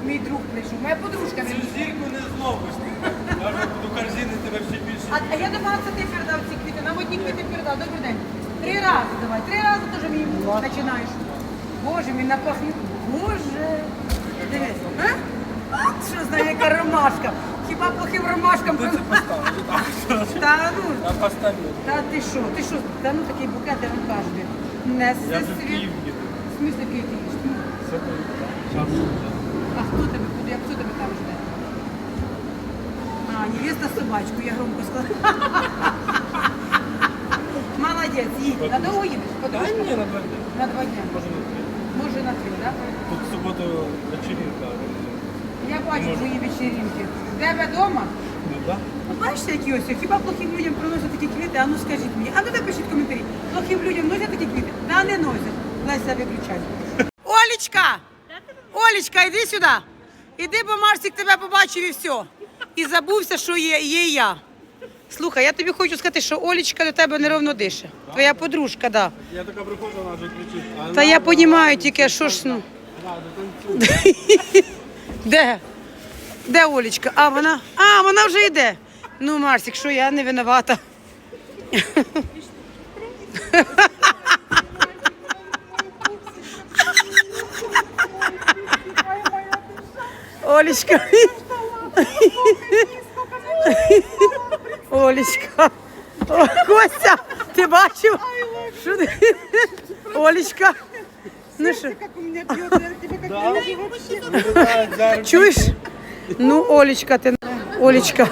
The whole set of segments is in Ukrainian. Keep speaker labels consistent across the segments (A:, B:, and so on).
A: мій друг прийшов, моя подружка.
B: Цю зірку не зловиш. Я вже буду корзини тебе ще більше.
A: А я думала, це ти передав ці квіти. Нам одні квіти передав. Добрий день. 3 рази давай. 3 рази теж мені починаєш. Боже, мій напахнув. Боже. Дивись. А? Що знає, яка ромашка. Хіба плохим ромашкам?
B: Ти це поставиш.
A: Та ну.
B: Я поставлю.
A: Та ти що? Ти що? Та ну такий букет, я вам кажу. Несе
B: Я вже в
A: світ.
B: Київ їду.
A: В смысле Київ їдеш? А хто тебе буде? Хто тебе там жде? А, невеста собачку, я громко сказала. Молодець, їдь. На довго їдеш?
B: Та ні, на 2 дні.
A: На 2 дня.
B: Може на 3.
A: Може на 3, так?
B: Тут в суботу вечеринка.
A: Я бачу твої вечеринки. В тебе вдома?
B: Ну так.
A: Ну, бачите, які ось, хіба плохим людям приносять такі квіти? А ну скажіть мені. А ну напишіть коментарі. Плохим людям носять такі квіти? Та не носять. Леся, виключай. Олечка! Олечка, іди сюди. Іди, бо Марсик тебе побачив і все. І забувся, що є я. Слухай, я тобі хочу сказати, що Олечка до тебе неровно дише. Твоя подружка, да.
B: Я така приходжу, вона вже кричить.
A: Та я розумію тільки, що ж, ну. Де? Де Олечка? А, вона вже йде. Ну, Марсик, що я не винувата. Олечка. Олечка. О, Костя, ти бачив? Що ти? Олечка. Ну що? Чуєш? Ну, Олечка, ти. Олечка.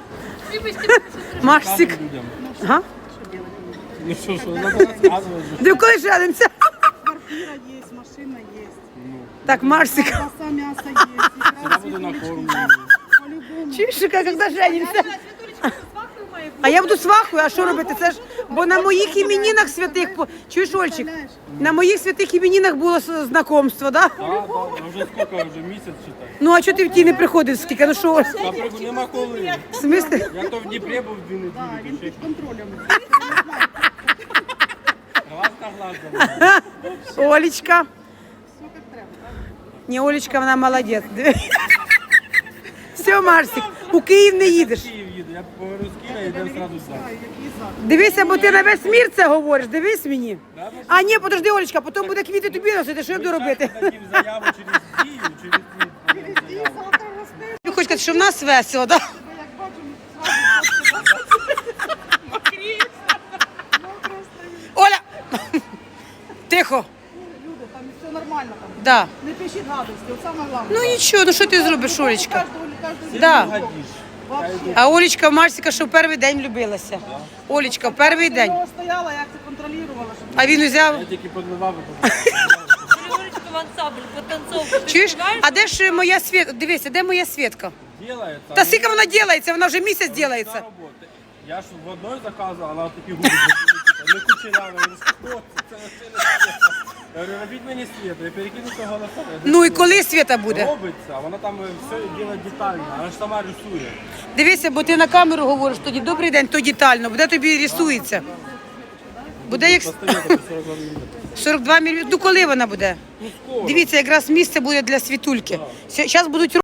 A: Марсик. Ага.
B: Ну що, треба розказувати.
A: Де коли женимося?
C: Квартира есть, машина есть.
A: Так, Марсик.
C: Колбаса, мясо есть.
B: Я буду на форму.
C: По-любому.
A: Чуєш, коли женимося? А я буду свахою, а що робити? Це ж, бо на моїх іменинах святих, чуєш, Ольчик? На моїх святих іменинах було знакомство, да?
B: Так, так, вже скільки, вже місяць читаю.
A: Ну, а чого ти в ті не приходив скільки? Ну що, Оль?
B: Та нема коли.
A: В смислі?
B: Я то в Дніпрі був 2 неділі.
C: Він під контролем.
B: Глаз на глаз.
A: Олечка.
C: Все як треба.
A: Ні, Олечка, вона молодець. Все, Марсик, у Київ не їдеш.
B: В Київ їду, я поговорю з Києва і йдемо одразу сюди.
C: Який запах.
A: Дивися, бо ти на весь мір це говориш, дивись мені. А ні, подожди, Олечка, потім буде квіти тобі носити, що я буду робити?
B: Дадим заяву через Київ, через Київ.
C: Золотого стилю,
A: Ви хочете сказати, що в нас весело, так? Да?
C: як бачимо,
A: Оля! Тихо.
C: люди, там все нормально. Там.
A: Да.
C: Не пишіть гадості, от саме головне.
A: Ну нічого, ну що ти зробиш, Олечка?
C: Кожного
A: Да.
B: Гадіш.
C: Вообще.
A: А Олечка в Марсика, що в перший день влюбилася. Олечка, в перший день.
C: Я стояла, як це контролювала, щоб
A: А він взяв.
B: Я тільки підливав.
D: Григорочка в ансамбль, потанцовку. Ти
A: Чуєш?
D: співаєш?
A: А де ж моя Свєтка? Дивися, де моя Свєтка?
B: Делается.
A: Та скільки вона робиться? Вона вже місяць робиться.
B: Я ж в одной заказував, вона такі губи закрутила. Не кучерява, я говорю, що це не світа. Я говорю, робіть мені світу, я перекину того голосом.
A: Ну і коли Свєта буде?
B: Робиться, а вона там все робить детально, вона ж сама рисує.
A: Дивися, бо ти на камеру говориш тоді, добрий день, то детально, буде тобі рисується. Буде як
B: Постоянно по 42 мм.
A: 42 мільйони. Ну коли вона буде?
B: Ну скоро.
A: Дивіться, якраз місце буде для світульки. Зараз будуть